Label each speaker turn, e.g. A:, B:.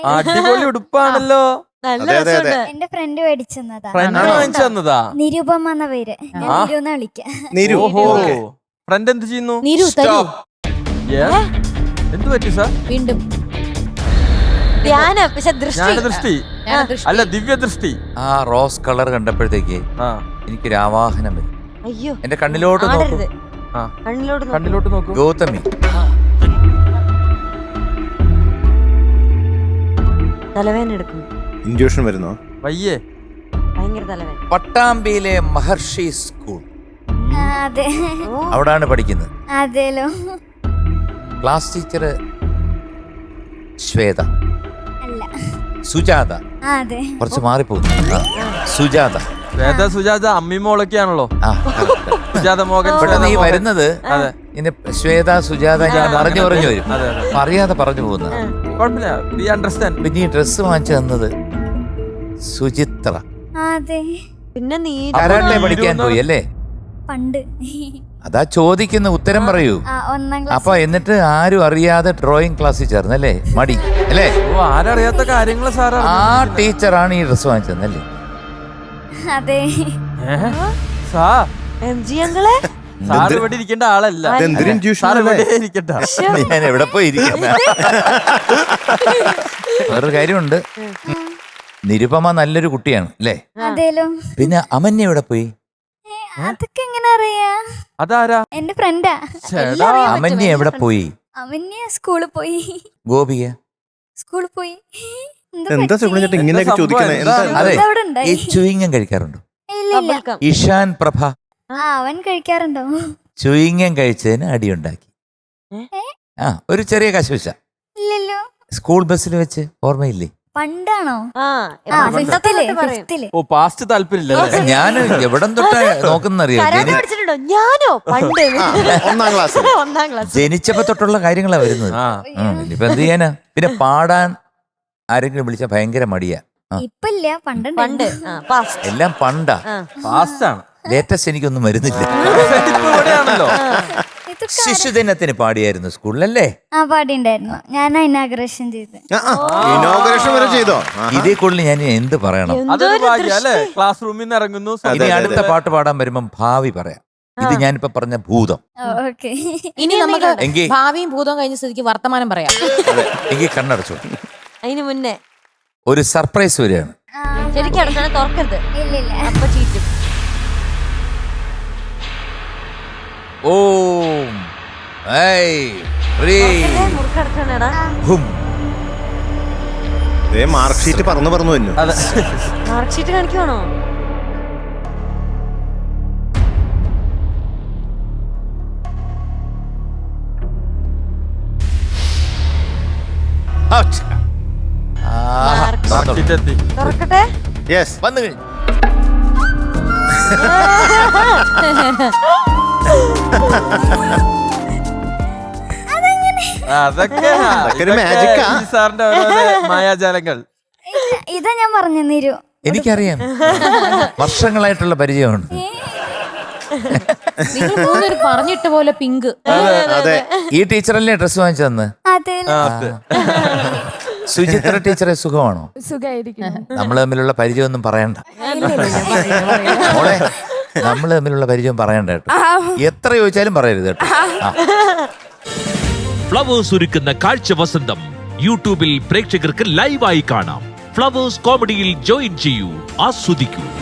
A: അടിപൊളി ഉടുപ്പാണല്ലോ.
B: എന്റെ ഫ്രണ്ട് മേടിച്ചെന്നതാ.
A: വാങ്ങിച്ചതാ.
B: നിരുപമ എന്ന പേര്. വിളിക്കാം.
A: ഫ്രണ്ട് എന്ത് ചെയ്യുന്നു? എന്ത് പറ്റി സാർ?
C: വീണ്ടും
A: ദൃഷ്ടി അല്ല, ദിവ്യദൃഷ്ടി.
D: ആ റോസ് കളർ കണ്ടപ്പോഴത്തേക്ക് എനിക്കൊരു ആവാഹനം വരും.
C: അയ്യോ,
D: എന്റെ കണ്ണിലോട്ട് നോക്കൂ.
A: കണ്ണിലോട്ട് നോക്കൂ.
D: ഗൗതമി,
C: തലവേദന എടുക്കുന്നു.
E: ഇൻഡ്യൂഷൻ വരുന്നോ?
A: വയ്യേ.
C: ഭയങ്കര തലവേദന.
D: പട്ടാമ്പിയിലെ മഹർഷി സ്കൂൾ,
B: അതെ.
D: അവിടാണ് പഠിക്കുന്നത്.
B: അതേലോ.
D: ക്ലാസ് ടീച്ചർ ശ്വേത,
B: അല്ല
D: സുജാത.
B: അതെ.
D: കുറച്ച് മാറിപ്പോകുന്നു. സുജാത.
A: ശ്വേത സുജാത അമ്മിമോളൊക്കെയാണല്ലോ. സുജാത മോഹൻ.
D: പെട്ടെന്ന് ഈ വരുന്നത് ഇങ്ങനെ ശ്വേത സുജാത ഞാൻ പറഞ്ഞു വരും, അറിയാതെ പറഞ്ഞു പോകുന്ന. പിന്നെ ഈ ഡ്രസ് വാങ്ങിച്ചു തന്നത് സുചിത്ര.
B: അതെ.
C: പിന്നെ നീ
D: കരാട്ടെ പഠിക്കാൻ പോയി അല്ലേ?
B: പണ്ട്.
D: അതാ ചോദിക്കുന്ന ഉത്തരം പറയൂ. അപ്പൊ എന്നിട്ട് ആരും അറിയാതെ ഡ്രോയിങ് ക്ലാസ്സിൽ ചേർന്നല്ലേ? മടി അല്ലേ?
A: ആരറിയാത്ത കാര്യങ്ങൾ സാർ.
D: ആ ടീച്ചറാണ് ഈ ഡ്രസ് വാങ്ങിച്ചതല്ലേ?
B: അതെ.
A: സാർ ഇവിടെ ഇരിക്കേണ്ട ആളല്ല.
D: ഞാൻ എവിടെ പോയി ഇരിക്കുന്ന. വേറൊരു കാര്യമുണ്ട്, നിരുപമ നല്ലൊരു കുട്ടിയാണ് അല്ലേ? പിന്നെ അമന്യ എവിടെ പോയി?
B: അതൊക്കെ എങ്ങനെ അറിയാ?
A: അതാരാ?
B: എന്റെ ഫ്രണ്ടാ.
D: അമന്യ എവിടെ പോയി?
B: അമന്യ സ്കൂളിൽ പോയി.
D: ഗോപിക
B: സ്കൂളിൽ പോയി.
E: എന്താ സുഗുണൻ ഇങ്ങനെയൊക്കെ ചോദിക്കണേ?
D: അതെ, ഈ ചുയിങ്ങം കഴിക്കാറുണ്ടോ? ഇഷാൻ പ്രഭ
B: അവൻ കഴിക്കാറുണ്ടോ?
D: ചുയിങ്ങം കഴിച്ചതിന് അടിയുണ്ടാക്കി. ഒരു ചെറിയ കശുവശ
B: ഇല്ലല്ലോ.
D: സ്കൂൾ ബസ്സിൽ വെച്ച്, ഓർമ്മയില്ലേ?
B: പണ്ടാണോ?
A: പാസ്റ്റ് താല്പര്യമില്ല.
D: ഞാൻ എവിടെ തൊട്ടാ നോക്കുന്നറിയാം.
C: ഞാനോ പണ്ട്
E: ഒന്നാം ക്ലാസ്
D: ജനിച്ചപ്പോ തൊട്ടുള്ള കാര്യങ്ങളാ വരുന്നത്. ഇനിയിപ്പോ എന്ത് ചെയ്യാനാ? പിന്നെ പാടാൻ ആരെങ്കിലും വിളിച്ച ഭയങ്കര മടിയാ.
B: പണ്ട്
D: എല്ലാം പണ്ടാ.
A: പാസ്റ്റാണ്.
D: ലേറ്റസ്റ്റ് എനിക്കൊന്നും വരുന്നില്ല. ശിശുദിനത്തിന് പാടിയായിരുന്നു സ്കൂളിലല്ലേ?
B: പാടിണ്ടായിരുന്നു. ഞാൻ ഇനാഗുറേഷൻ
E: ചെയ്തോ?
D: ഇതേ കൂടുതൽ ഞാൻ എന്ത് പറയണം?
A: ക്ലാസ് റൂമിൽ നിന്ന് ഇറങ്ങുന്നു.
D: ഇനി അടുത്ത പാട്ട് പാടാൻ വരുമ്പം ഭാവി പറയാം. ഇത് ഞാനിപ്പോ പറഞ്ഞ ഭൂതം.
C: ഇനി നമുക്ക് ഭാവിയും ഭൂതവും കഴിഞ്ഞ സ്ഥിതിക്ക് വർത്തമാനം പറയാം.
D: എനിക്ക് കണ്ണടച്ചു.
C: അതിന് മുന്നേ
D: ഒരു സർപ്രൈസ് വരികയാണ്.
C: ശരിക്കും തുറക്കരുത്. അപ്പൊ ചീറ്റും.
D: ഓം
E: മാർക്ക് ഷീറ്റ് പറന്നു തന്നെ.
C: മാർക്ക് ഷീറ്റ് കാണിക്കുവാണോ? തുറക്കട്ടെ.
D: വന്നു കഴിഞ്ഞു.
A: അതൊക്കെ സാറിന്റെ മായാജാലങ്ങൾ.
B: ഇതാ ഞാൻ പറഞ്ഞു നിരു.
D: എനിക്കറിയാം, വർഷങ്ങളായിട്ടുള്ള പരിചയമാണ്.
C: പറഞ്ഞിട്ട് പോലെ പിങ്ക്.
D: ഈ ടീച്ചറല്ലേ ഡ്രസ് വാങ്ങിച്ചു തന്ന്? സുചിത്ര ടീച്ചറെ സുഖമാണോ? നമ്മൾ തമ്മിലുള്ള പരിചയം ഒന്നും പറയണ്ട മോളെ. നമ്മൾ തമ്മിലുള്ള പരിചയം പറയണ്ട കേട്ടോ. എത്ര ചോദിച്ചാലും പറയരുത് കേട്ടോ.
F: ഫ്ലവേഴ്സ് ഒരുക്കുന്ന കാഴ്ച വസന്തം യൂട്യൂബിൽ പ്രേക്ഷകർക്ക് ലൈവായി കാണാം. ഫ്ലവേഴ്സ് കോമഡിയിൽ ജോയിൻ ചെയ്യൂ, ആസ്വദിക്കൂ.